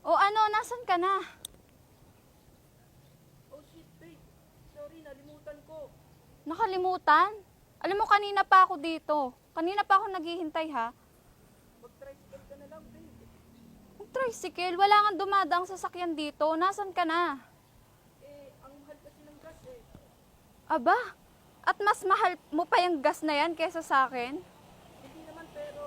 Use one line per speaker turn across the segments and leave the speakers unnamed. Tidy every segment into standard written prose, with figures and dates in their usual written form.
O ano, nasan ka na?
Oh shit, babe. Sorry, nalimutan ko.
Nakalimutan? Alam mo, kanina pa ako dito. Kanina pa ako naghihintay, ha?
Mag-tricycle ka na lang, babe.
Ang tricycle, wala nga dumadaang sasakyan dito. Nasan ka na?
Ang mahal kasi ng gas eh.
Aba, at mas mahal mo pa yung gas na yan kesa sa akin?
Hindi naman pero...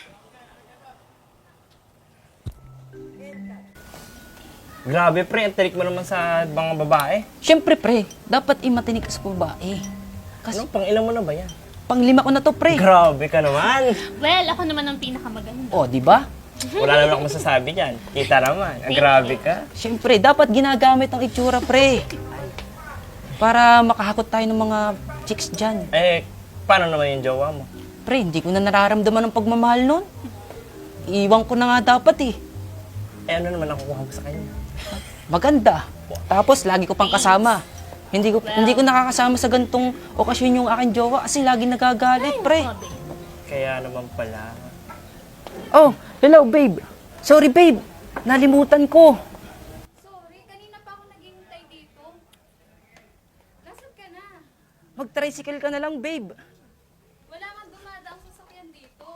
Grabe pre, ang tarik mo naman sa mga babae.
Siyempre, pre, dapat imatinig ka sa babae. Kasi
Ano, pang ilan mo na ba yan?
panglima ko na to, pre.
Grabe ka naman.
Well, ako naman ang pinakamaganda.
O, di ba?
Wala naman akong masasabi dyan. Kita naman, ang grabe ka.
Siyempre, dapat ginagamit ang itsura, pre. Para makahakot tayo ng mga chicks dyan.
Paano naman yung jowa mo?
Pre, hindi ko na nararamdaman ng pagmamahal nun. Iwan ko na nga dapat eh.
Ano naman nakukuha mo sa kanya?
Maganda. Tapos, lagi ko pang kasama. Hindi ko nakakasama sa gantong okasyon yung aking jowa kasi lagi nagagalit, pre.
Kaya naman pala.
Oh, hello, babe. Sorry, babe. Nalimutan ko.
Sorry, kanina pa ako naghihintay dito. Nasan ka na?
Mag-tricycle ka na lang, babe.
Wala nga dumadaang sasakyan dito.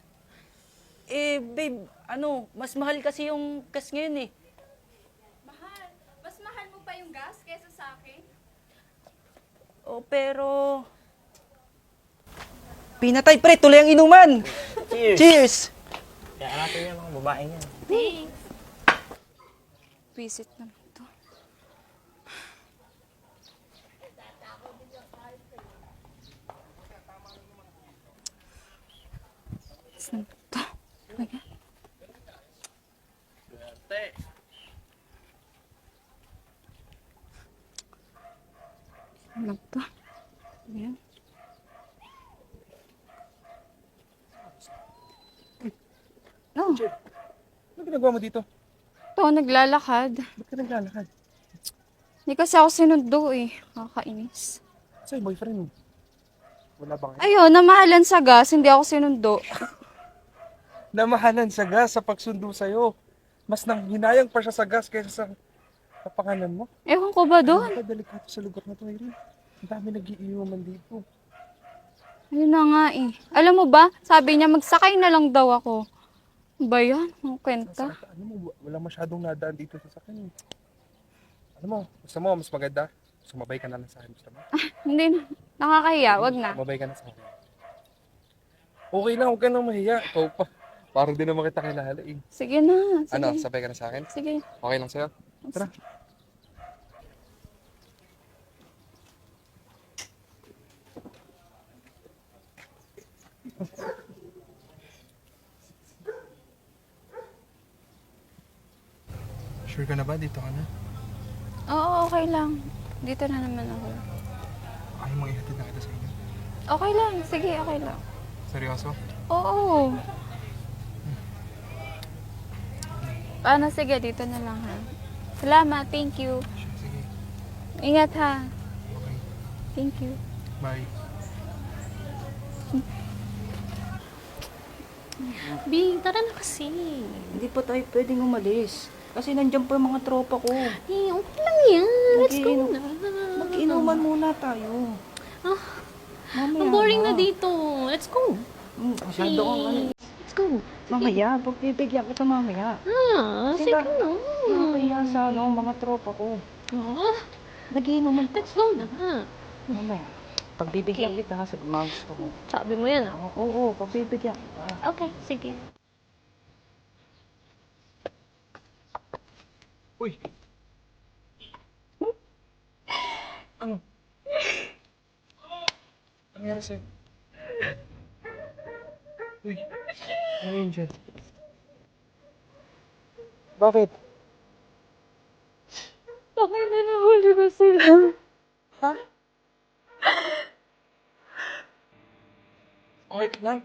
Babe, mas mahal kasi yung gas ngayon eh.
Mahal. Mas mahal mo pa yung gas kesa sa akin?
Oh, pero... Pinatay, pre. Tuloy ang inuman.
Cheers!
Cheers!
Kaya natin yung mga babae niyan.
Thanks.
Visit naman to. Saan to? Ayan. Saan to? Ayan. Oh,
Ano ginagawa mo dito?
to, naglalakad.
Ba't ka naglalakad?
Hindi kasi ako sinundo eh. Kakainis.
Sa'yo, boyfriend mo. Wala bang
Ayun, namahalan sa gas, hindi ako sinundo.
namahalan sa gas sa pagsundo sa'yo. Mas nanghinayang pa siya sa gas kaysa sa kapangalan mo.
Ewan ko ba doon?
Napakadelikado sa lugar na to, Irene. Ang dami nag-iinuman dito.
Ayun na nga eh. Alam mo ba, sabi niya magsakay na lang daw ako. Ano ba yan? Ang kwenta?
Ano mo, wala masyadong nadaan dito sa sakin. Ano mo, gusto mo, mas maganda. Sumabay ka na lang sa akin, gusto mo?
Hindi na. Nakakahiya, wag na.
Sumabay ka na sa akin. Okay lang, huwag ka nang mahiya. Ikaw pa. Parang di naman kita kilala eh.
Sige na. Sige.
Ano, sabay ka na sa akin?
Sige.
Okay lang sa'yo? Tara. Sure ka na ba? Dito ka na?
Oo, okay lang. Dito na naman ako.
Ayaw mong ihatid na kita sa inyo.
Okay lang. Sige, okay lang.
Seryoso?
Oo. Paano? Sige, dito na lang ha. Salamat. Thank you.
Sure, sige.
Ingat ha.
Okay.
Thank you.
Bye.
Bing, tara na kasi.
Hindi pa tayo pwedeng umalis. Kasi nandiyan pa yung mga tropa ko.
Okay lang yan. Let's go na.
Mag-inuman muna tayo.
Ah,
Mamaya
ang boring na dito. Let's go.
Masyado kang ano.
Let's go.
Mamaya, pagbibigyan kita mamaya.
Sige na.
Nakakaya sa mga tropa ko.
Ah,
Nagiinuman pa.
let's go na.
Mamaya. Pagbibigyan kita sa mga gusto ko.
Sabi mo yan ah.
Oo, pagbibigyan kita.
Okay, sige.
Uy! Ano? Ano nangyari sa'yo? Uy! Ano yun dyan? Bakit?
Bakit na nahuli ko sila?
Ha? Okay ka lang?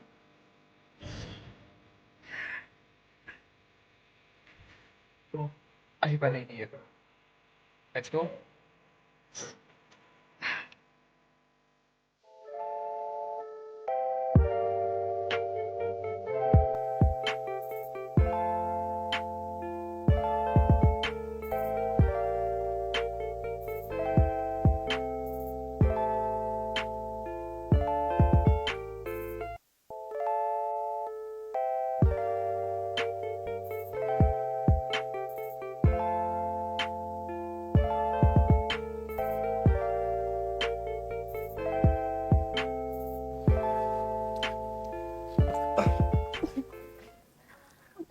So, ay pala yun. Let's go.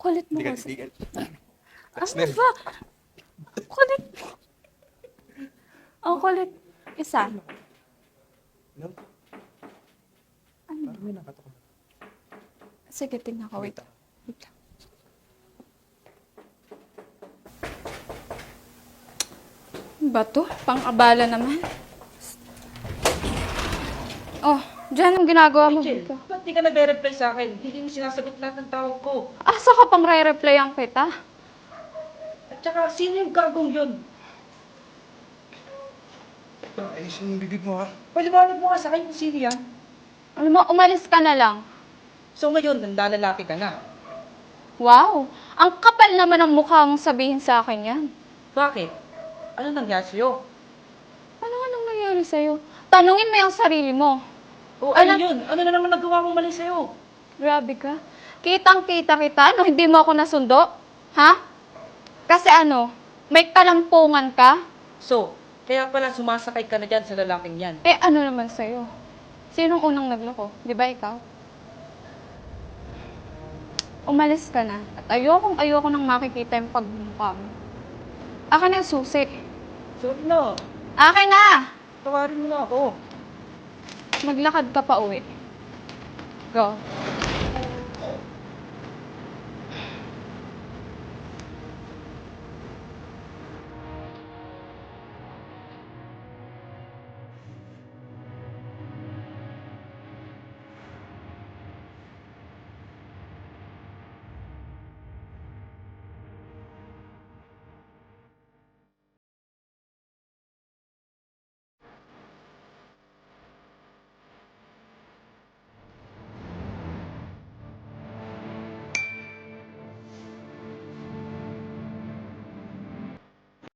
Kulit mo
Hindi ka,
kasi.
hindi ka.
Ano ba? Kulit mo. Ang kulit. Isa.
No?
Ano?
Parang may nakatok.
Sige, tingnan ko. Wait. Wait lang. Ba to? Pang-abala naman. Oh, dyan ang ginagawa mo.
Rachel, ba't di ka nagre-reply sa akin? Hindi mo sinasagot lahat ng tawag ko.
Asa ka pang re-replyan kita?
At saka, sino yung gagong yun?
Ayusin yung bibig mo ha.
Paliwanag mo nga sa akin kung sino yan.
Alam mo, umalis ka na lang.
So ngayon, nandalalaki ka na.
Wow! Ang kapal naman ang mukha mong sabihin sa akin yan.
Bakit? Ano nangyari sa'yo?
Anong nangyari sa'yo? Tanungin mo yung sarili mo.
O ano yun? Ano na naman nagawa mong mali sa'yo?
Grabe ka. Kitang-kita kita, no? Hindi mo ako nasundo? Ha? Kasi ano, may kalampungan ka?
So, kaya pala sumasakay ka na dyan sa lalaking yan.
Eh, ano naman sa'yo? Sinong unang nagloko? Di ba ikaw? Umalis ka na. At ayoko nang makikita yung pagmumukha mo. Akin na yung susi.
Sorry na.
Akin na!
Tawarin mo na ako.
Maglakad ka pa uwi. Go.